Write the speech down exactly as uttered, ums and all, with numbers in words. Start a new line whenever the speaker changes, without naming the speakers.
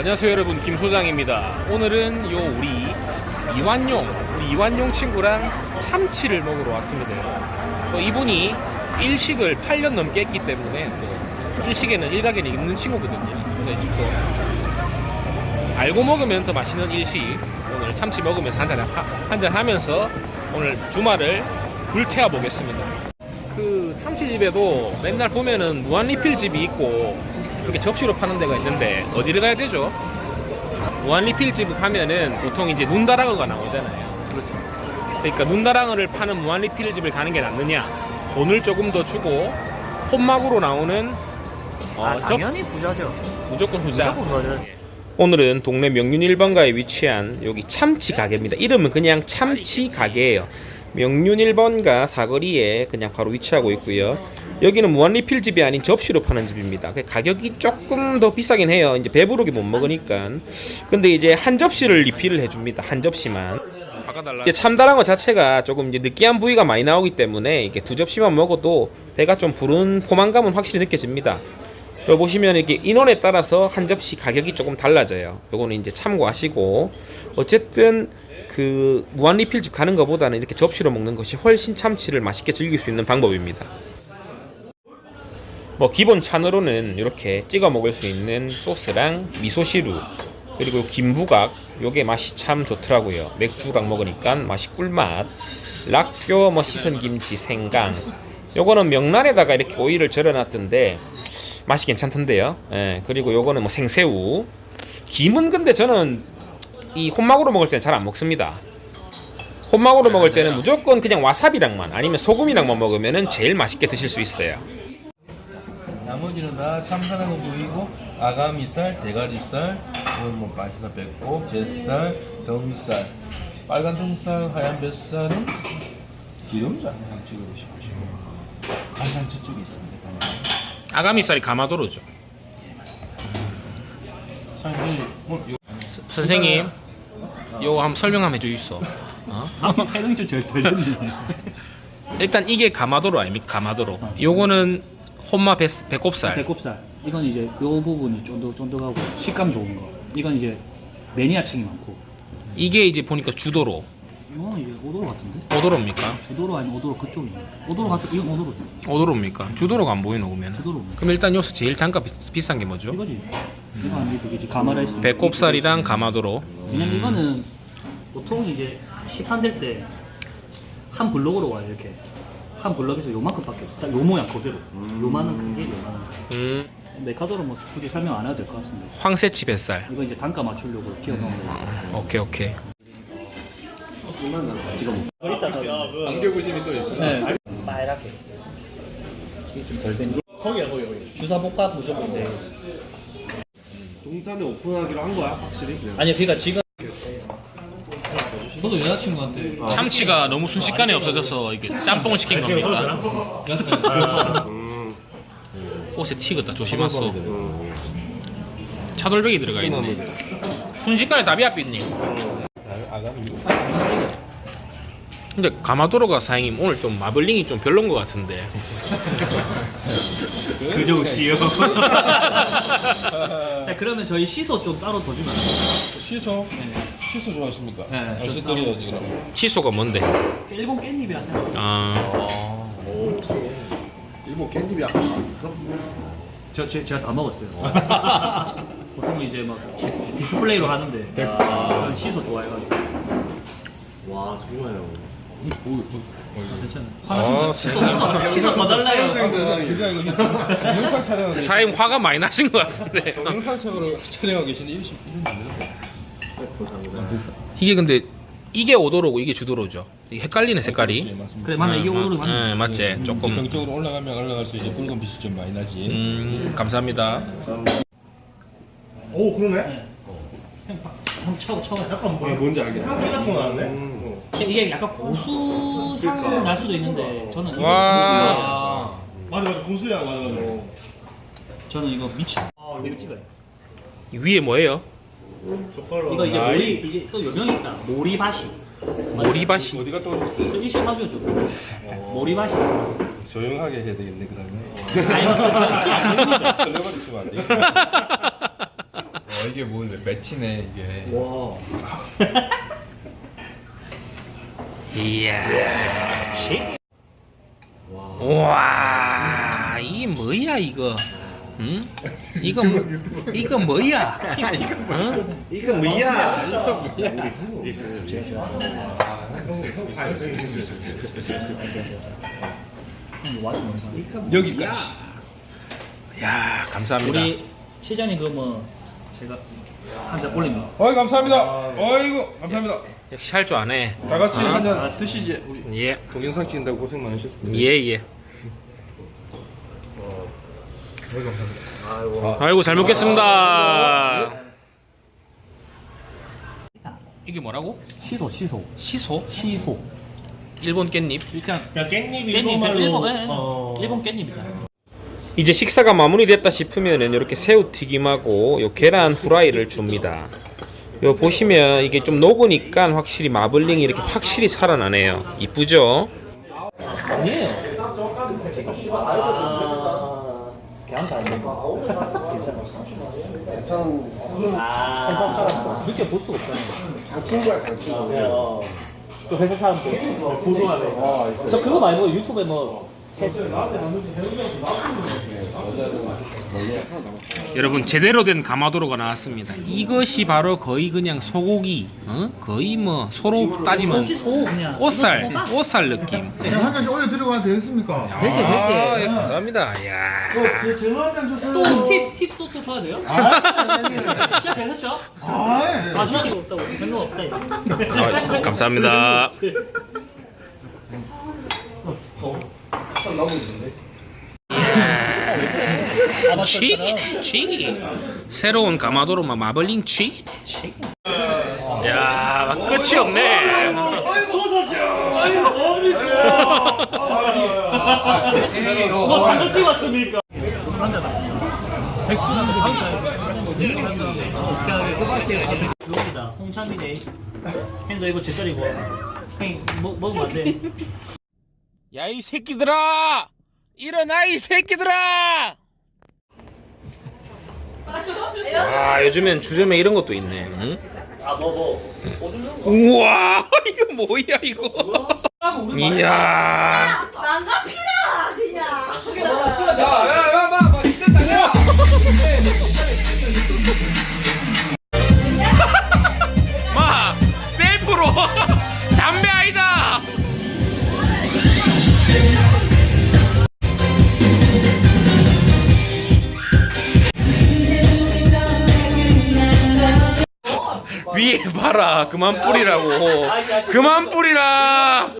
안녕하세요 여러분, 김 소장입니다. 오늘은 요 우리 이완용 우리 이완용 친구랑 참치를 먹으러 왔습니다. 또 이분이 일식을 팔 년 넘게 했기 때문에 또 일식에는 일가견이 있는 친구거든요. 그래서 또 알고 먹으면 더 맛있는 일식, 오늘 참치 먹으면서 한잔 한잔 하면서 오늘 주말을 불태워 보겠습니다. 그 참치집에도 맨날 보면은 무한리필 집이 있고 이렇게 접시로 파는 데가 있는데 어디를 가야 되죠? 무한리필 집 가면은 보통 이제 눈다랑어가 나오잖아요.
그렇죠.
그러니까 눈다랑어를 파는 무한리필 집을 가는 게 낫느냐, 돈을 조금 더 주고 혼막으로 나오는 어,
아, 당연히 부자죠.
무조건 후자.
무조건 부자죠.
오늘은 동네 명륜 일 번가에 위치한 여기 참치 가게입니다. 이름은 그냥 참치 가게예요. 명륜 일 번가 사거리에 그냥 바로 위치하고 있고요. 여기는 무한리필 집이 아닌 접시로 파는 집입니다. 가격이 조금 더 비싸긴 해요. 이제 배부르게 못 먹으니까. 근데 이제 한 접시를 리필을 해줍니다. 한 접시만. 이제 참다랑어 자체가 조금 이제 느끼한 부위가 많이 나오기 때문에 이게 두 접시만 먹어도 배가 좀 부른 포만감은 확실히 느껴집니다. 여기 보시면 이렇게 인원에 따라서 한 접시 가격이 조금 달라져요. 요거는 이제 참고하시고, 어쨌든 그 무한리필집 가는 것보다는 이렇게 접시로 먹는 것이 훨씬 참치를 맛있게 즐길 수 있는 방법입니다. 뭐 기본 찬으로는 이렇게 찍어 먹을 수 있는 소스랑 미소시루, 그리고 김부각, 요게 맛이 참 좋더라고요. 맥주랑 먹으니까 맛이 꿀맛. 락교, 뭐 씻은 김치, 생강, 요거는 명란에다가 이렇게 오이를 절여놨던데 맛이 괜찮던데요. 예, 그리고 요거는 뭐 생새우. 김은 근데 저는 이 혼막으로 먹을 때는 잘 안 먹습니다. 혼막으로 먹을 때는 무조건 그냥 와사비랑만 아니면 소금이랑만 먹으면 제일 맛있게 드실 수 있어요.
나머지는 다 참다랑어 부위고, 아가미살, 대가리살, 이건 뭐 맛이나 뺐고, 뱃살, 덩살, 빨간 덩살, 하얀 뱃살은 기름장 한번 찍어보시고, 간장 저쪽에 있습니다.
아가미살이 가마도로죠.
사장님, 뭐, 요...
선생님, 요거 한번 설명 한번 해주이소. 어?
해동이 좀 덜 덜렸네.
일단 이게 가마도로 아닙니까? 가마도로. 요거는 혼마 배, 배꼽살.
배꼽살. 이건 이제 요 부분이 쫀득쫀득하고 식감 좋은 거. 이건 이제 매니아층이 많고.
이게 이제 보니까 주도로.
이거는 이제 오도로 같은데?
오도로입니까?
주도로 아니면 오도로 그쪽이네. 오도로 같은 이건 오도로.
오도로입니까? 주도로가 안 보이노 그러면.
주도로.
그럼 일단 여기서 제일 단가 비, 비싼 게 뭐죠?
이거지. 이거 아니면 저기지 가마라이스.
배꼽살이랑 가마도로.
왜냐면 이거는 보통 이제 시판될 때 한 블럭으로 와요. 이렇게 한 블럭에서 요만큼밖에 없어. 딱 요 모양 그대로. 요만한 큰게 요만한 거.
음,
메카도로 뭐 굳이 설명 안 해도 될 것 같은데.
황새치 뱃살.
이거 이제 단가 맞추려고 끼워 넣은 거.
오케이 오케이.
안겨보시면 또 있어요.
네. 빨갛게. 이게 좀 덜 된.
거기야 거기 거기.
주사복합 무조건데.
동탄에 오픈하기로 한 거야 확실히? 그냥.
아니 그러니까 지금 저도 여자친구한테
참치가 너무 순식간에 없어져서 이게 짬뽕을 시킨 겁니까?
음.
옷에 튀겠다. 조심하소. 차돌백이 들어가 있네. 순식간에 답이 앞이니. 근데 가마도로가 사장님 오늘 좀 마블링이 좀 별론 것 같은데.
그저 웃지요. 자, 그러면 저희 시소 좀 따로 더 주면 안 돼요?
시소?
네.
시소 좋아하십니까?
네,
알수
저
드려야지 그럼.
시소가 뭔데?
일본 깻잎이 하세요.
아,
일본 깻잎이 아까 나왔었어?
저, 제, 제가 다 먹었어요. 보통 이제 막 디스플레이로 하는데 저는 시소 좋아해가지고.
와 정말요.
괜찮아요.
아,
시소 시소 시소 더 달라요.
그냥 이거 동영상 촬영하고 계신
사장님 화가 많이 나신 것 같은데.
동영상적으로 촬영하고 계신데 이러시
이게 근데 이게 오도로고 이게 주도로죠. 이게 헷갈리네 색깔이.
그래 맞네 이게 오도로 맞네.
네, 맞지. 조금.
경적으로 올라가면 올라갈수록 이제 붉은 빛이 좀 많이 나지.
음, 감사합니다.
오 그러네.
네. 형, 형 차고 차고.
약간 뭐 뭔지 알겠어. 향기 같은 거 나왔네. 음.
이게 약간 고수 향 날 수도 있는데 저는 이거
와.
맞아 맞아 고수향 맞아 맞아.
저는 이거 미치.
아
이거 찍어요.
위에 뭐예요?
젓갈로.
이거 이제
아이.
모리 이제 또 요명이 있다. 모리바시.
모리바시.
어디 갔다 오셨어요?
저 일식 하죠 저. 모리바시.
조용하게 해야 되겠네 그러면.
아니,
설레버리시면 안 돼. 이게 뭐 매치네 이게.
와.
이야.
와.
와, 이게 뭐야 이거? 응? 이거 뭐, 이거 뭐야? 응?
이거 뭐야? 이거 뭐야?
여기까지.
야, 감사합니다.
우리 시장님 그뭐 제가 한 잔 올립니다.
어이 감사합니다. 어이구 감사합니다.
역시 할 줄 아네.
다 같이
아.
한 잔 드시지. 우리
예,
동영상 찍는다고 고생 많으셨습니다.
예, 예.
어이 감사합니다.
아이고.
아이고 잘 먹겠습니다. 이게 뭐라고?
시소 시소
시소?
시소.
일본 깻잎.
그냥
그냥 깻잎
깻잎
일본말로.
일본 예,
어.
일본 깻잎이다.
이제 식사가 마무리됐다 싶으면은 이렇게 새우 튀김하고 요 계란 후라이를 줍니다. 요 보시면 이게 좀 녹으니까 확실히 마블링이 이렇게 확실히 살아나네요. 이쁘죠?
아니에요. 아, 걔한테 안 돼.
괜찮은.
아, 그렇게 볼 수가 없잖아요.
친구야, 간 친구.
어. 그 회사 사람들 고소하네.
아, 있어.
저 그거 말고 유튜브에 뭐
여러분 제대로 된 가마도로가 나왔습니다. 이것이 바로 거의 그냥 소고기, 어? 거의 뭐 소로 따지면
소지 소 그냥
꽃살,
이거 소다.
꽃살 느낌.
한 잔씩 올려 들어가도 되겠습니까?
되지, 되지.
아, 예, 감사합니다. 야,
또 팁, 팁도 또 줘야 돼요? 시작 되셨죠?
아, 예.
마지막에 없다고 별로 없다 이거.
아, 감사합니다. 치, 치. 새로운 가마도로 막 마블링 치. 야, 막 끝이 없네.
뭐 사진 찍었습니까? 백수는 자기가 그겁니다. 홍찬미네. 형도 이거 제 딸이고. 형 먹 먹으면 안 돼.
야, 이 새끼들아! 일어나, 이 새끼들아! 아, 요즘엔 주점에 이런 것도 있네. 응?
아 뭐 뭐.
우와, 이거 뭐야, 이거? 이야.
망가피라 그냥.
수게 먹어 수게 먹어.
야야야마 맛있겠다 야.
마, 셀프로 담배 아니다. 위에 봐라, 그만 뿌리라고. 그만 뿌리라.